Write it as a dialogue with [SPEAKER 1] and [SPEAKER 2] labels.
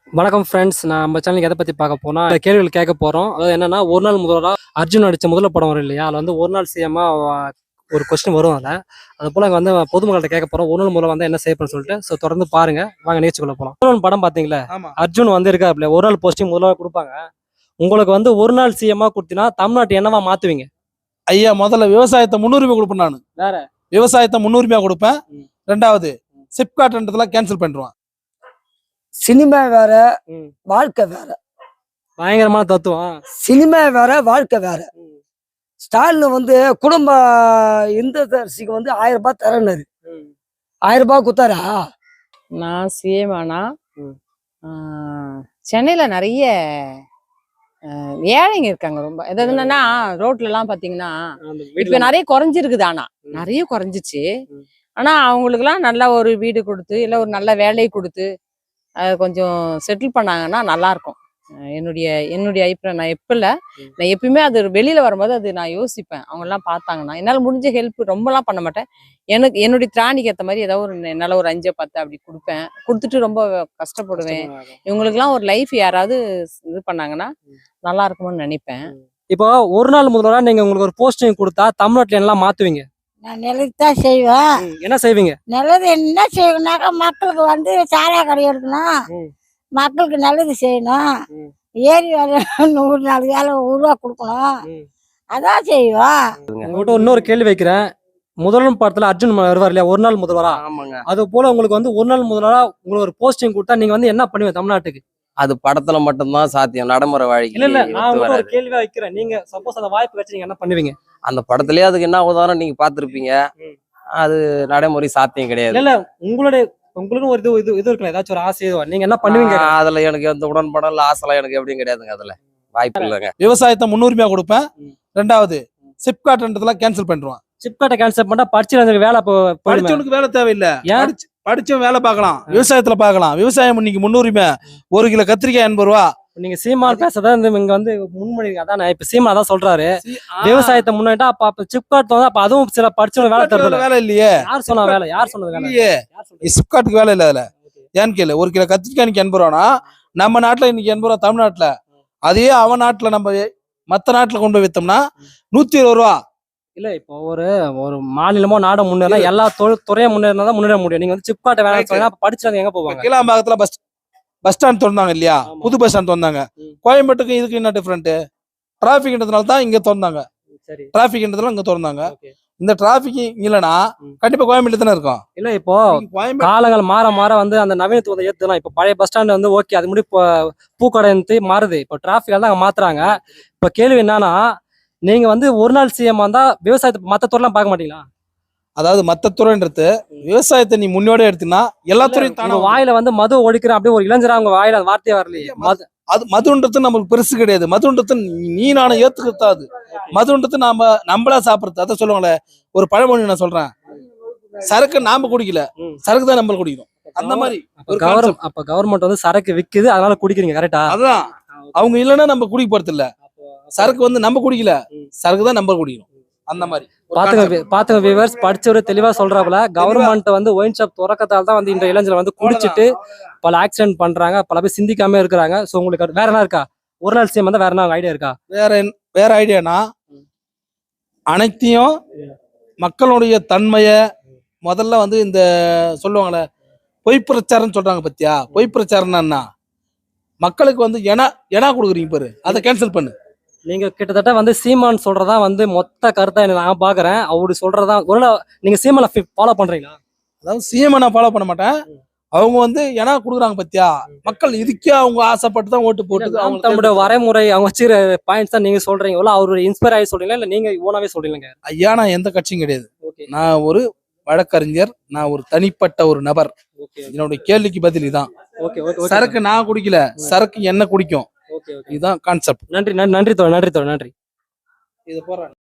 [SPEAKER 1] வணக்கம் ஃப்ரெண்ட்ஸ். நான் நம்ம சேனலுக்கு எதை பற்றி பார்க்க போனால் கேள்விகள் கேட்க போகிறோம். அதாவது என்னன்னா, ஒரு நாள் முதல்வராக அர்ஜுன் நடித்த முதல்ல படம் வரும் இல்லையா, அதில் வந்து ஒரு நாள் சிஎம்மாக ஒரு கொஸ்டின் வரும். அதில் அது போல் அங்கே வந்து பொதுமக்கள்கிட்ட கேட்க போகிறோம், ஒரு நாள் முதல்ல வந்து என்ன செய்யணும்னு சொல்லிட்டு. ஸோ தொடர்ந்து பாருங்க, வாங்க நிகழ்ச்சிக்குள்ள போகலாம். ஒரு நாள் படம் பார்த்தீங்களா, அர்ஜுன் வந்து இருக்காப்ல, ஒரு நாள் போஸ்டிங் முதல்வராக கொடுப்பாங்க. உங்களுக்கு வந்து ஒரு நாள் சிஎம்மாக கொடுத்தீங்கன்னா தமிழ்நாட்டு என்னவா மாற்றுவீங்க?
[SPEAKER 2] ஐயா, முதல்ல விவசாயத்தை முன்னுரிமை கொடுப்பேன். நான்
[SPEAKER 1] வேற
[SPEAKER 2] விவசாயத்தை முன்னுரிமையா கொடுப்பேன். ரெண்டாவது சிப்காட்ன்றதுலாம் கேன்சல் பண்ணிடுவான்.
[SPEAKER 3] சினிமா வேற, வாழ்க்கை வேற.
[SPEAKER 1] பயங்கரமான தத்துவம்.
[SPEAKER 3] சினிமா வேற, வாழ்க்கை வேற. ஸ்டாலின் வந்து குடும்ப இந்த தரிசிக்கு வந்து 1000 ரூபாய் தரேன்னாரு. 1000 ரூபாய் குத்தாரா?
[SPEAKER 4] நான் சிஎம் ஆனா சென்னையில நிறைய ஏழைங்க இருக்காங்க. ரொம்ப எதாவது என்னன்னா, ரோட்ல எல்லாம் பாத்தீங்கன்னா இப்ப நிறைய குறைஞ்சிருக்குது. ஆனா நிறைய குறைஞ்சிச்சு. ஆனா அவங்களுக்கு எல்லாம் நல்ல ஒரு வீடு கொடுத்து, இல்ல ஒரு நல்ல வேலையை கொடுத்து அதை கொஞ்சம் செட்டில் பண்ணாங்கன்னா நல்லா இருக்கும். என்னுடைய அபிப்பிராயம். நான் எப்பயுமே அது வெளியில வரும்போது அது நான் யோசிப்பேன். அவங்க எல்லாம் பார்த்தாங்கன்னா என்னால் முடிஞ்ச ஹெல்ப் ரொம்பலாம் பண்ண மாட்டேன். என்னுடைய திராணிக்கு ஏற்ற மாதிரி ஏதாவது ஒரு என்னால் ஒரு 5 10 அப்படி கொடுப்பேன். கொடுத்துட்டு ரொம்ப கஷ்டப்படுவேன். இவங்களுக்குலாம் ஒரு லைஃப் யாராவது இது பண்ணாங்கன்னா நல்லா இருக்கும்னு நினைப்பேன்.
[SPEAKER 1] இப்போ ஒரு நாள் முதல்வராக நீங்க உங்களுக்கு ஒரு போஸ்டிங் கொடுத்தா தமிழ்நாட்டில் எல்லாம் மாத்துவீங்க?
[SPEAKER 5] நான் நல்லது தான் செய்வேன்.
[SPEAKER 1] என்ன செய்வீங்க?
[SPEAKER 5] நல்லது என்ன செய்யணும்னாக்கா, மக்களுக்கு வந்து சாராய கடை எடுக்கணும், மக்களுக்கு நல்லது செய்யணும், ஏரி வேலை 100 நாள் வேலை உருவா கொடுக்கணும், அதான் செய்வோம்.
[SPEAKER 1] உங்கள்கிட்ட இன்னொரு கேள்வி வைக்கிறேன். முதல்வன் படத்துல அர்ஜுன் வருவார் இல்லையா, ஒரு நாள் முதல்வரா? அது போல உங்களுக்கு வந்து ஒரு நாள் முதல்வரா உங்களுக்கு ஒரு போஸ்டிங் கொடுத்தா நீங்க வந்து என்ன பண்ணுவீங்க தமிழ்நாட்டுக்கு?
[SPEAKER 6] அது படத்துல மட்டும்தான் சாத்தியம், நடைமுறை வாழ்க்கை.
[SPEAKER 1] இல்ல நான் ஒரு கேள்வியா வைக்கிறேன். நீங்க சப்போஸ் அந்த வாய்ப்பு வச்சு நீங்க என்ன பண்ணுவீங்க?
[SPEAKER 6] அந்த படத்துலயே அதுக்கு என்ன உதாரணம் நீங்க பாத்திருப்பீங்க. அது நடைமுறை சாத்தியம் கிடையாது.
[SPEAKER 1] இல்ல உங்களுக்கு ஒரு இது இருக்குல்ல, ஏதாச்சும் ஒரு ஆசை, நீங்க என்ன பண்ணுவீங்க?
[SPEAKER 6] அதுல எனக்கு எந்த உடன்படம் இல்ல, ஆசைலாம் எனக்கு எப்படியும் கிடையாதுங்க. அதுல வாய்ப்பு இல்லைங்க.
[SPEAKER 2] விவசாயத்தை முன்னுரிமையா கொடுப்பேன். ரெண்டாவது சிப்காட்ன்றதுலாம் கேன்சல் பண்ணிடுவான்.
[SPEAKER 1] சிப்காட்டை கேன்சல் பண்ணா படிச்சு வேலை
[SPEAKER 2] படிச்சவனுக்கு வேலை தேவையில்லை. படிச்சவன் வேலை பார்க்கலாம், விவசாயத்துல பார்க்கலாம். விவசாயம் இன்னைக்கு முன்னுரிமை. 1 கிலோ கத்திரிக்காய் 80 ரூபா.
[SPEAKER 1] நீங்க சீமான் பேசதான் இங்க வந்து முன்மொழி. அதான் இப்ப சீமா அதான் சொல்றாரு, விவசாயத்தை முன்னாடிட்டா அப்ப சிப்காட் வந்து அப்ப அதுவும் சில படிச்சவங்க வேலை தரல. வேலை இல்லையே. யார் சொன்னா வேலை? யார் சொன்னது வேலை?
[SPEAKER 2] சிப்காட்டுக்கு வேலை இல்ல. அதுல ஏன்னு கேளு, 1 கிலோ கத்திரிக்காய் 80 ரூபானா நம்ம நாட்டுல இன்னைக்கு 80 ரூபா தமிழ்நாட்டுல. அதே அவன் நாட்டுல நம்ம மத்த நாட்டுல கொண்டு போய் வித்தோம்னா 120 ரூபா.
[SPEAKER 1] இல்ல இப்போ ஒரு மாநிலமோ நாட முன்னேறா, எல்லா துறையும் முன்னேறினா தான் முன்னேற முடியும். நீங்க வந்து சிப்காட்டை வேலை சொன்னா படிச்சவங்க எங்க போவாங்க?
[SPEAKER 2] கீழாம்பாக்கத்துல பஸ் ஸ்டாண்ட் திறந்தாங்க இல்லையா, புது பஸ் ஸ்டாண்ட் திறந்தாங்க. கோயம்பேட்டுக்கு இதுக்கு என்ன டிஃபரெண்ட்? டிராபிக்ன்றதுனால தான் இங்க திறந்தாங்க. டிராபிக்ன்றதுல இங்க திறந்தாங்க. இந்த டிராபிக் இல்லைன்னா கண்டிப்பா கோயம்பேட்டு தானே இருக்கும்.
[SPEAKER 1] இல்ல இப்போ காலங்கள் மாற மாற வந்து அந்த நவீனத்துவத்தை ஏத்துலாம். இப்ப பழைய பஸ் ஸ்டாண்ட் வந்து ஓகே, அது முடி பூக்கடை மாறுது. இப்போ டிராபிக் தான் அங்க மாத்துறாங்க. இப்ப கேள்வி என்னன்னா, நீங்க வந்து ஒரு நாள் சிஎம் வந்தா விவசாயத்தை மத்த துறையெல்லாம் பார்க்க மாட்டீங்களா?
[SPEAKER 2] அதாவது மத்த துறைன்றது விவசாயத்தை நீ முன்னோட எடுத்தீங்கன்னா எல்லா துறையும் தானே.
[SPEAKER 1] வாயில வந்து மது ஒழிக்கிறேன் அப்படியே ஒரு இளைஞரா அவங்க வாயில அந்த வார்த்தையே வரலையே.
[SPEAKER 2] அது மதுன்றது நம்மளுக்கு பெருசு கிடையாது. மதுன்றது நீ நானும் ஏத்துக்கிட்டாது. மதுன்றது நம்மளா சாப்பிடுறது. அதை சொல்லுவாங்களே ஒரு பழமொழி, நான் சொல்றேன், சரக்கு நாம குடிக்கல, சரக்கு தான் நம்ம குடிக்கணும். அந்த மாதிரி
[SPEAKER 1] அப்ப கவர்மெண்ட் வந்து சரக்கு விக்குது, அதனால குடிக்கிறீங்க, கரெக்டா?
[SPEAKER 2] அதான் அவங்க இல்லைன்னா நம்ம குடிக்க போறது இல்ல. சரக்கு வந்து நம்ம குடிக்கல, சரக்கு தான் நம்ம குடிக்கணும். அந்த மாதிரி
[SPEAKER 1] பாத்துங்க வியூவர்ஸ், படிச்சவரு தெளிவா சொல்றாப்புல. கவர்மெண்ட் வந்து ஒயின் ஷாப் துறக்கத்தால தான் வந்து இந்த இளைஞர்கள் வந்து குடிச்சிட்டு பல ஆக்சிடென்ட் பண்றாங்க, பல பேர் சிந்திக்காம இருக்கிறாங்க. சோ உங்களுக்கு வேற என்ன இருக்கா? ஒரு நாள் சிஎம் வந்து வேற என்ன ஐடியா இருக்கா?
[SPEAKER 2] வேற ஐடியானா, அனைத்தையும் மக்களுடைய தன்மைய முதல்ல வந்து இந்த சொல்லுவாங்களே பொய் பிரச்சாரம் சொல்றாங்க பத்தியா. பொய் பிரச்சாரம்னா என்ன? மக்களுக்கு வந்து எனா கொடுக்குறீங்க பாரு, அதை கேன்சல் பண்ணு.
[SPEAKER 1] நீங்க கிட்டத்தட்ட வந்து சீமான் சொல்றதா வந்து மொத்த கருத்தா நான் பாக்குறேன். அவரு சொல்றதா ஒரு நீங்க சீமானை ஃபாலோ பண்றீங்களா?
[SPEAKER 2] அதாவது சீமானை நான் ஃபாலோ பண்ண மாட்டேன். அவங்க வந்து ஏன்னா கொடுக்குறாங்க பத்தியா, மக்கள் இதுக்கே அவங்க ஆசைப்பட்டு தான் ஓட்டு போட்டு
[SPEAKER 1] அவங்க தம்முடைய வரைமுறை அவங்க வச்சுக்கிற பாயிண்ட்ஸ் தான் நீங்க சொல்றீங்களா? அவரு இன்ஸ்பயர் ஆகி சொல்றீங்களா, இல்ல நீங்க ஓனாவே சொல்றீங்க?
[SPEAKER 2] ஐயா, நான் எந்த கட்சியும் கிடையாது. நான் ஒரு வழக்கறிஞர், நான் ஒரு தனிப்பட்ட ஒரு நபர். என்னுடைய கேள்விக்கு பதில் இதான். சரக்கு நான் குடிக்கல, சரக்கு என்ன குடிக்கும். இதுதான் கான்செப்ட்.
[SPEAKER 1] நன்றி நன்றி நன்றி தோழர், நன்றி தோழர், நன்றி.
[SPEAKER 2] இது போறேன்.